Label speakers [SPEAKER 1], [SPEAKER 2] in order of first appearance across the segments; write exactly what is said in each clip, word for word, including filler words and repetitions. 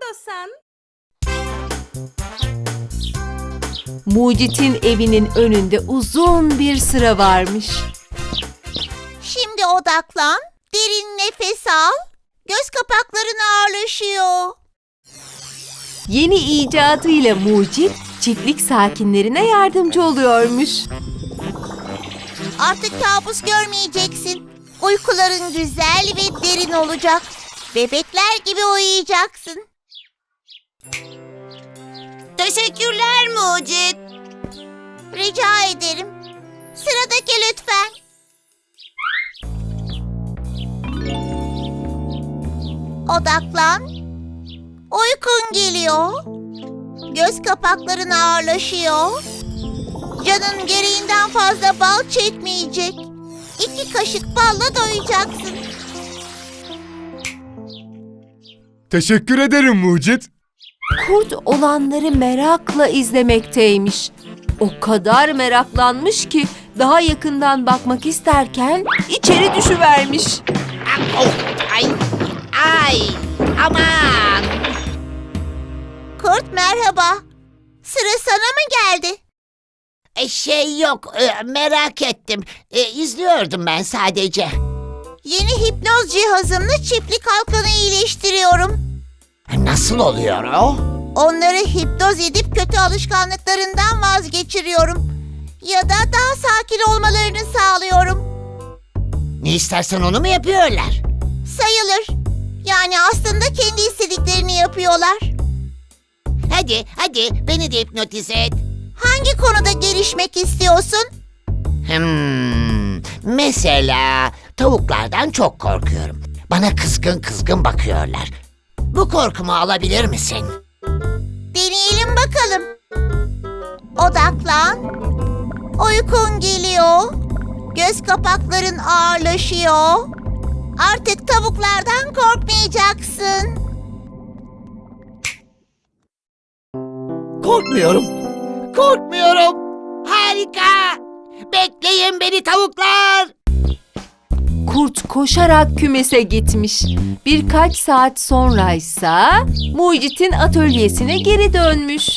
[SPEAKER 1] istiyorsan.
[SPEAKER 2] Mucit'in evinin önünde uzun bir sıra varmış.
[SPEAKER 3] Şimdi odaklan, derin nefes al. Göz kapakların ağırlaşıyor.
[SPEAKER 2] Yeni icadıyla Mucit, çiftlik sakinlerine yardımcı oluyormuş.
[SPEAKER 3] Artık kabus görmeyeceksin. Uykuların güzel ve derin olacak. Bebekler gibi uyuyacaksın. Teşekkürler Mucit. Rica ederim. Sıradaki lütfen. Odaklan. Uykun geliyor. Göz kapakların ağırlaşıyor. Canın gereğinden fazla bal çekmeyecek. İki kaşık balla doyacaksın.
[SPEAKER 4] Teşekkür ederim Mucit.
[SPEAKER 2] Kurt olanları merakla izlemekteymiş. O kadar meraklanmış ki daha yakından bakmak isterken içeri düşüvermiş.
[SPEAKER 5] Ay, ay, aman.
[SPEAKER 3] Kurt merhaba. Sıra sana mı geldi?
[SPEAKER 5] E, şey yok, e, merak ettim. E, izliyordum ben sadece.
[SPEAKER 3] Yeni hipnoz cihazımla çiftlik halkını iyileştiriyorum.
[SPEAKER 5] Nasıl oluyor o?
[SPEAKER 3] Onları hipnoz edip kötü alışkanlıklarından vazgeçiriyorum. Ya da daha sakin olmalarını sağlıyorum.
[SPEAKER 5] Ne istersen onu mu yapıyorlar?
[SPEAKER 3] Sayılır. Yani aslında kendi istediklerini yapıyorlar.
[SPEAKER 5] Hadi, hadi beni de hipnotize et.
[SPEAKER 3] Hangi konuda gelişmek istiyorsun?
[SPEAKER 5] Hmm, mesela tavuklardan çok korkuyorum. Bana kızgın kızgın bakıyorlar. Bu korkumu alabilir misin?
[SPEAKER 3] Deneyelim bakalım. Odaklan. Uykun geliyor. Göz kapakların ağırlaşıyor. Artık tavuklardan korkmayacaksın.
[SPEAKER 5] Korkmuyorum. Korkmuyorum. Harika. Bekleyin beni tavuklar.
[SPEAKER 2] Kurt koşarak kümese gitmiş. Birkaç saat sonraysa Mucit'in atölyesine geri dönmüş.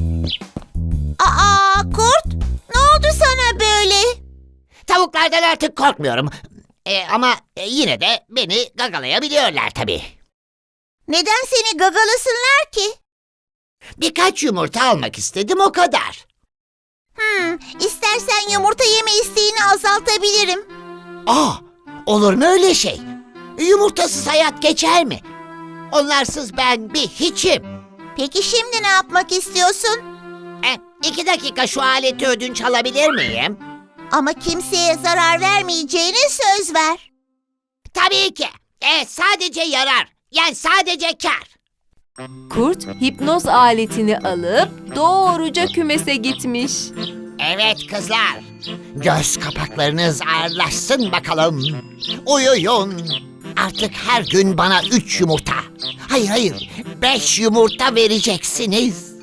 [SPEAKER 3] Aa kurt, ne oldu sana böyle?
[SPEAKER 5] Tavuklardan artık korkmuyorum. E, ama e, yine de beni gagalayabiliyorlar tabii.
[SPEAKER 3] Neden seni gagalasınlar ki?
[SPEAKER 5] Birkaç yumurta almak istedim o kadar.
[SPEAKER 3] Hmm, istersen yumurta yeme isteğini azaltabilirim.
[SPEAKER 5] Aa, olur mu öyle şey? Yumurtasız hayat geçer mi? Onlarsız ben bir hiçim.
[SPEAKER 3] Peki şimdi ne yapmak istiyorsun?
[SPEAKER 5] E, iki dakika şu aleti ödünç alabilir miyim?
[SPEAKER 3] Ama kimseye zarar vermeyeceğine söz ver.
[SPEAKER 5] Tabii ki. E, sadece yarar. Yani sadece kar.
[SPEAKER 2] Kurt hipnoz aletini alıp doğruca kümese gitmiş.
[SPEAKER 5] Evet kızlar. Göz kapaklarınız ağırlaşsın bakalım. Uyuyun. Artık her gün bana üç yumurta. Hayır hayır. Beş yumurta vereceksiniz.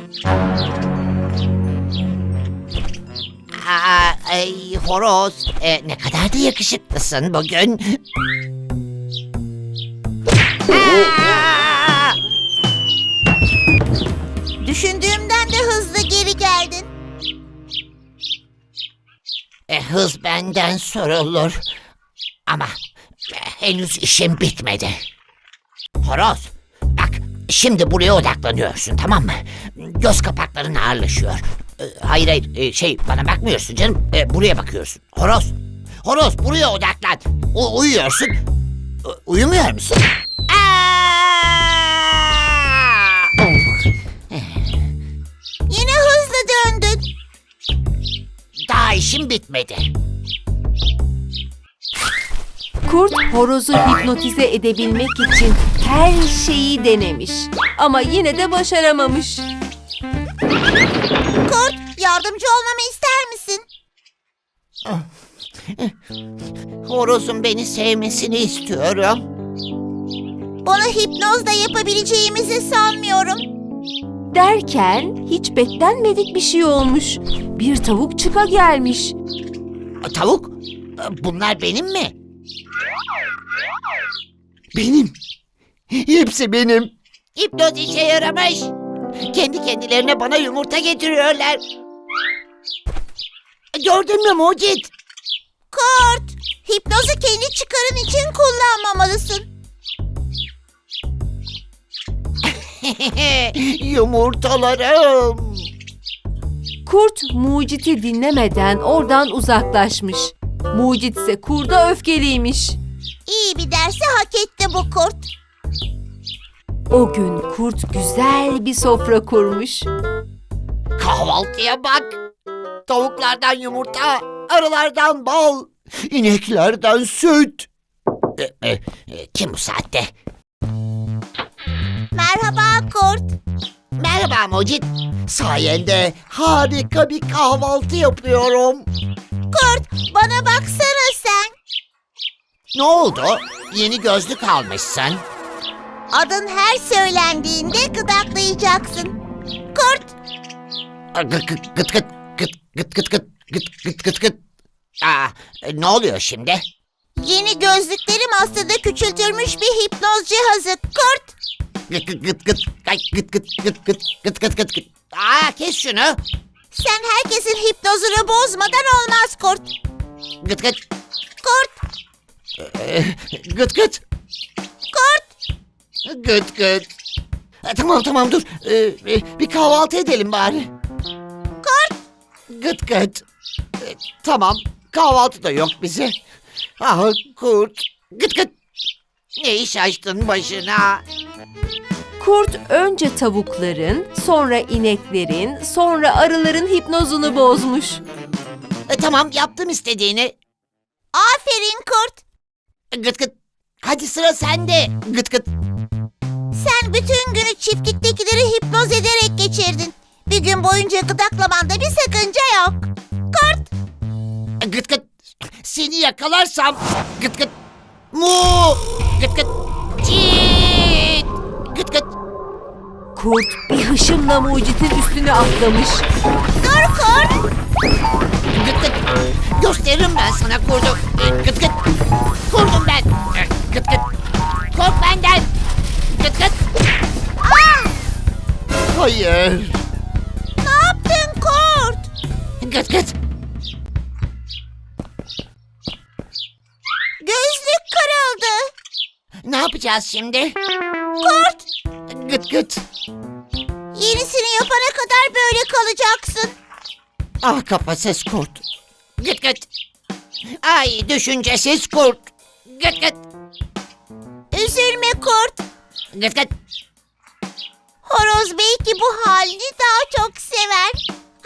[SPEAKER 5] Aa, ay, horoz. E, ne kadar da yakışıklısın bugün. Aa!
[SPEAKER 3] Düşündüğümden de hızlı geri geldin.
[SPEAKER 5] E, hız benden sorulur. Ama e, henüz işim bitmedi. Horoz, bak şimdi buraya odaklanıyorsun tamam mı? Göz kapakların ağırlaşıyor. E, hayır hayır e, şey bana bakmıyorsun canım. E, buraya bakıyorsun. Horoz, horoz buraya odaklan. U- uyuyorsun. U- uyumuyor musun? Aa! Oh.
[SPEAKER 3] Yine hızlı döndün.
[SPEAKER 5] Daha işim bitmedi.
[SPEAKER 2] Kurt horozu hipnotize edebilmek için her şeyi denemiş. Ama yine de başaramamış.
[SPEAKER 3] Kurt, yardımcı olmamı ister misin?
[SPEAKER 5] Horozun beni sevmesini istiyorum.
[SPEAKER 3] Bunu hipnozla yapabileceğimizi sanmıyorum.
[SPEAKER 2] Derken hiç beklenmedik bir şey olmuş. Bir tavuk çıka gelmiş.
[SPEAKER 5] Tavuk? Bunlar benim mi? Benim. Hepsi benim. Hipnoz işe yaramış. Kendi kendilerine bana yumurta getiriyorlar. Gördün mü Mucit?
[SPEAKER 3] Kurt, hipnozu kendi çıkarın için kullanmamalısın.
[SPEAKER 5] Yumurtalarım.
[SPEAKER 2] Kurt Mucit'i dinlemeden oradan uzaklaşmış. Mucit ise kurda öfkeliymiş.
[SPEAKER 3] İyi bir dersi hak etti bu kurt.
[SPEAKER 2] O gün kurt güzel bir sofra kurmuş.
[SPEAKER 5] Kahvaltıya bak. Tavuklardan yumurta, arılardan bal, ineklerden süt. E, e, e, kim bu saatte?
[SPEAKER 3] Merhaba kurt.
[SPEAKER 5] Merhaba Mucit. Sayende harika bir kahvaltı yapıyorum.
[SPEAKER 3] Kurt, bana baksana sen.
[SPEAKER 5] Ne oldu? Yeni gözlük almışsın.
[SPEAKER 3] Adın her söylendiğinde gıdaklayacaksın. Kurt,
[SPEAKER 5] Gıt gıt gıt gıt gıt gıt gıt gıt gıt gıt gıt gıt. Aa, e, ne oluyor şimdi?
[SPEAKER 3] yeni gözlüklerim aslında küçültülmüş bir hipnoz cihazı. Kurt,
[SPEAKER 5] Gıt gıt gıt gıt ay, gıt gıt gıt gıt gıt gıt gıt gıt. Aa, kes şunu.
[SPEAKER 3] sen herkesin hipnozunu bozmadan olmaz kurt.
[SPEAKER 5] Gıt gıt
[SPEAKER 3] Kurt,
[SPEAKER 5] Ee, gıt gıt
[SPEAKER 3] kurt.
[SPEAKER 5] gıt gıt. E, tamam tamam dur. Ee, e, bir kahvaltı edelim bari.
[SPEAKER 3] Kurt,
[SPEAKER 5] Gıt gıt. E, tamam, kahvaltı da yok bize. Ah kurt. Gıt gıt. Ne iş açtın başına?
[SPEAKER 2] Kurt önce tavukların, sonra ineklerin, sonra arıların hipnozunu bozmuş.
[SPEAKER 5] E, tamam, yaptım istediğini.
[SPEAKER 3] aferin kurt.
[SPEAKER 5] Gıt gıt. Hadi sıra sende. Gıt gıt.
[SPEAKER 3] Sen bütün günü çiftliktekileri hipnoz ederek geçirdin. Bir gün boyunca gıdaklamanda bir sakınca yok. Kurt,
[SPEAKER 5] Gıt gıt. Seni yakalarsam. Gıt gıt. Mu. Gıt gıt. Çiğit. Gıt gıt.
[SPEAKER 2] Kurt bir hışımla Mucit'in üstüne atlamış.
[SPEAKER 3] dur kurt.
[SPEAKER 5] Gıt gıt. Gösteririm ben sana kurdu. E, Gıt gıt. Kurdum ben. E, Gıt gıt. Kork benden. Gıt gıt.
[SPEAKER 3] Ah,
[SPEAKER 5] Hayır.
[SPEAKER 3] ne yaptın kurt?
[SPEAKER 5] Gıt gıt.
[SPEAKER 3] Gözlük kırıldı.
[SPEAKER 5] Ne yapacağız şimdi?
[SPEAKER 3] Kurt,
[SPEAKER 5] Gıt gıt.
[SPEAKER 3] yenisini yapana kadar böyle kalacaksın.
[SPEAKER 5] Ah, kafasız kurt. Gıt gıt. Ay, düşüncesiz kurt. Gıt gıt.
[SPEAKER 3] Üzülme kurt.
[SPEAKER 5] Gıt gıt.
[SPEAKER 3] Horoz belki bu halini daha çok sever.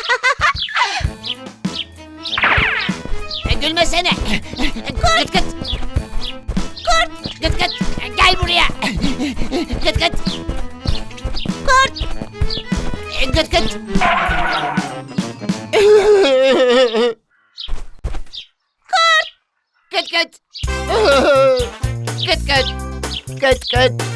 [SPEAKER 5] E, Gülmesene. Gıt gıt.
[SPEAKER 3] Kurt,
[SPEAKER 5] Gıt gıt. Gel buraya. Gıt gıt.
[SPEAKER 3] kurt.
[SPEAKER 5] E, Gıt gıt. Gıt gıt. Gıt gıt. Gıt gıt.